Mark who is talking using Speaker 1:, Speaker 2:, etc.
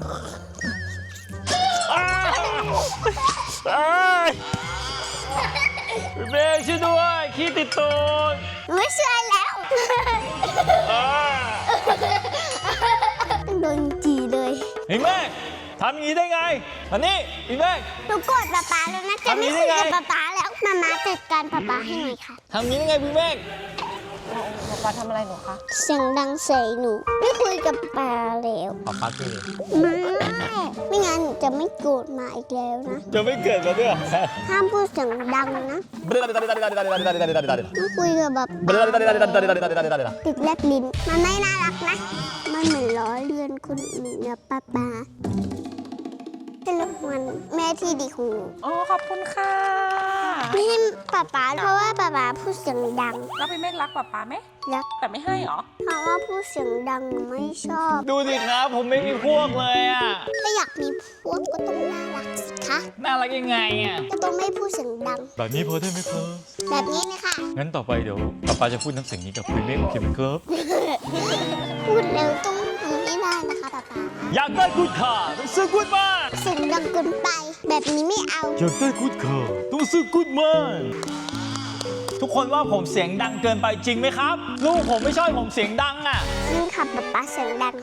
Speaker 1: เบรกช่วยด้วยขี้ติดตูด
Speaker 2: ไม่เชื่อแล้วโดนจีเลย
Speaker 1: พี่เมฆทำอย่างนี้ได้ไงอันนี้พี่เมฆ
Speaker 2: หนูโกรธป๊าป๊าแล้วนะจะไม่คุยกับป๊าป๊าแล้วมาจัดการป๊าป๊าให้หน่อยค่ะ
Speaker 1: ทำอย่างนี้ได้ไงพี่เมฆ
Speaker 3: ป๊าทำอะไรหนูคะ
Speaker 2: เสียงดังใส่หนูไม่คุยกับป๊าแล้ว
Speaker 1: ป๊าป๊าคือ
Speaker 2: ไม่งั้นหนูจะไม่โกรธมาอีกแล้วนะ
Speaker 1: จะไม่เกิดมาด้วย
Speaker 2: ห้ามพูดเสียงดังนะไม่คุยกับแบบติดแลบลิ้นมันไม่น่ารักนะ มันเหมือนล้อเลียนคนอื่นนะป๊าป๊าเป็นลูกมันแม่ที่ดีของหนู
Speaker 3: อ๋อขอบคุณค่ะ
Speaker 2: ไม่ให้ป๊าป๊าเพราะว่าป๊าป๊าพูดเสียงดัง
Speaker 3: แล้วพี่เมฆรักป๊าไหม
Speaker 2: รัก
Speaker 3: แต่ไม่ให้เหรอ
Speaker 2: เพราะว่าพูดเสียงดังหนูไม่ชอบ
Speaker 1: ดูสิครับผมไม่มีพวกเลยอ่ะ
Speaker 2: ถ้าอยากมีพวกก็ต้องน่ารักสิคะ
Speaker 1: น่ารักยังไงอ่ะ
Speaker 2: ก็ต้องไม่พูดเสียงดัง
Speaker 1: แบบนี้พอได้ไหมครับ
Speaker 2: แบบนี้นะคะ
Speaker 1: งั้นต่อไปเดี๋ยวป๊าจะพูดน้ำเสียงนี้กับพี่เมฆโอเคไหมครับ
Speaker 2: พูดเร็วต้องทำให้ได้นะคะป๊าป๊า
Speaker 1: อยากได้กูดขาต้องซื้อกูดมาน
Speaker 2: เสียงดังเกินไป แบบนี้ไม่เอา
Speaker 1: อยากได้กูดขาต้องซื้อกูดมานทุกคนว่าผมเสียงดังเกินไปจริงไหมครับ ลูกผมไม่ชอบผมเสียงดังอ่ะ
Speaker 2: จริงค่ะป๊าป๊าเสียงดัง